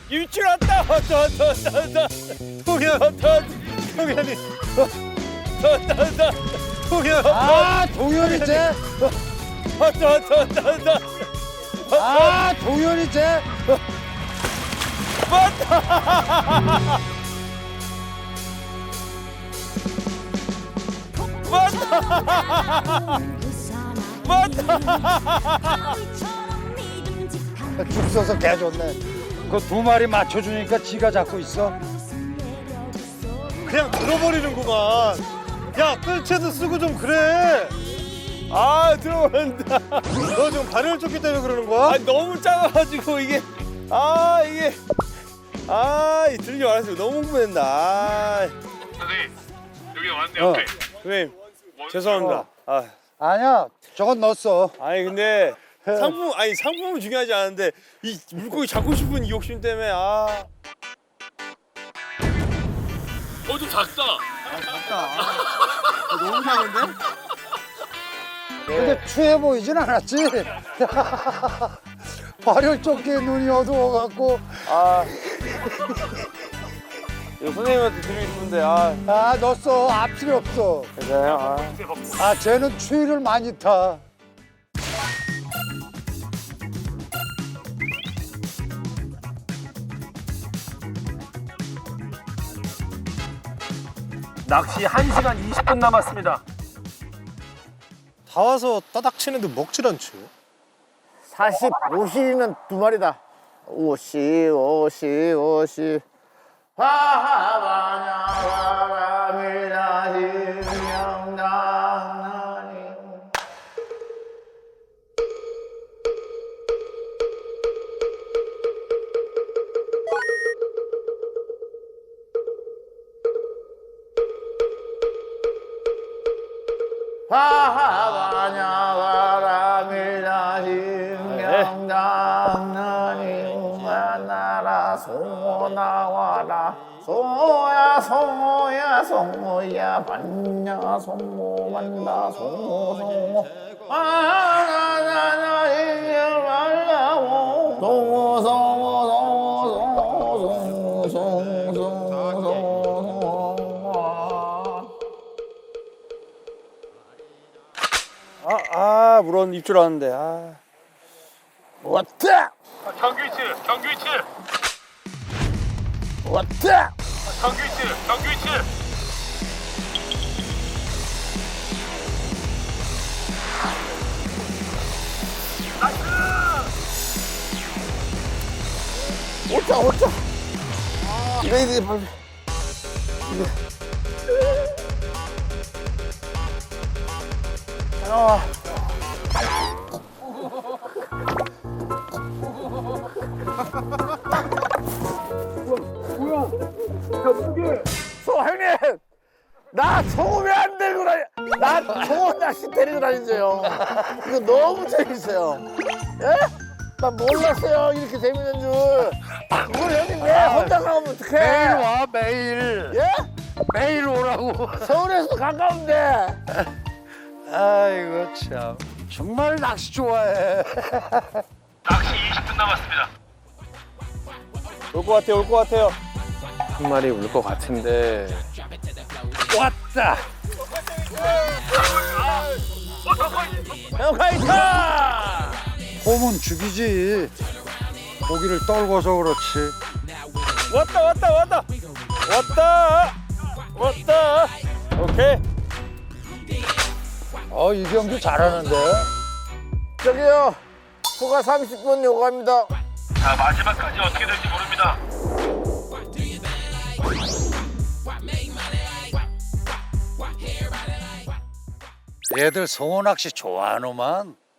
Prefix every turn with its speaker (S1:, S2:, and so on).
S1: 입질 왔다. 왔다.
S2: 동현. 동현이. 동현.
S3: 아, 동현이 쟤.
S1: 왔다.
S3: 아, 동현이 쟤. 줄 서서 개 좋네. 그 두 마리 맞춰주니까 지가 잡고 있어.
S2: 그냥 들어버리는구만. 야, 끌채도 쓰고 좀 그래.
S1: 아, 들어온다.
S2: 너 지금 발열 쫓기 때문에 그러는 거야?
S1: 아, 너무 작아가지고 이게. 이 들리지 말았어요. 너무 흥분했다.
S4: 선생님 여기 왔네
S3: 어.
S4: 옆에.
S1: 선생님, 죄송합니다.
S3: 아니야, 저건 넣었어.
S1: 아니 근데 상품은 중요하지 않은데 이 물고기 잡고 싶은 이 욕심 때문에
S4: 좀 작다.
S1: 너무 작은데?
S3: 근데 추해 보이진 않았지? 발열 쫓기에 눈이 어두워갖고.
S1: 이거 선생님한테 드리고 싶은데
S3: 아, 넣었어. 앞 필요 없어.
S1: 괜찮아요?
S3: 아, 쟤는 추위를 많이 타.
S4: 낚시 1시간 20분 남았습니다.
S2: 다 와서 따닥 치는데 먹질 않지.
S5: 45시는 두 마리다. 오시. 나와라 송어야 반야 송어 만다 송어 나나나 이제 말라고
S1: 물론 입줄 알았는데
S5: 왔다
S4: 정규 위치.
S5: 왔다
S4: 정규 위치.
S5: 오자 이래 빨리 형님 나 송어 안 데리고 나 송어 낚시 데리고 다니세요. 이거 너무 재밌어요. 예? 나 몰랐어요 이렇게 재밌는 줄. 그걸 형님 왜 혼자 나오면 어떡해?
S3: 매일 와, 매일.
S5: 예?
S3: 매일 오라고.
S5: 서울에서 가까운데.
S3: 아이고, 참. 정말 낚시 좋아해.
S4: 낚시 20분 남았습니다.
S1: 올 것 같아요.
S6: 한 마리 울 것 같은데.
S3: 왔다.
S5: 형 가이터.
S3: 홈은 죽이지. 고기를 떨궈서 그렇지.
S1: 왔다. 오케이.
S3: 이경규 잘하는데.
S5: 저기요. 후가 30분 요구합니다.
S4: 자 마지막까지 어떻게 될지 모릅니다.
S3: 얘들 송어 낚시 좋아하노만.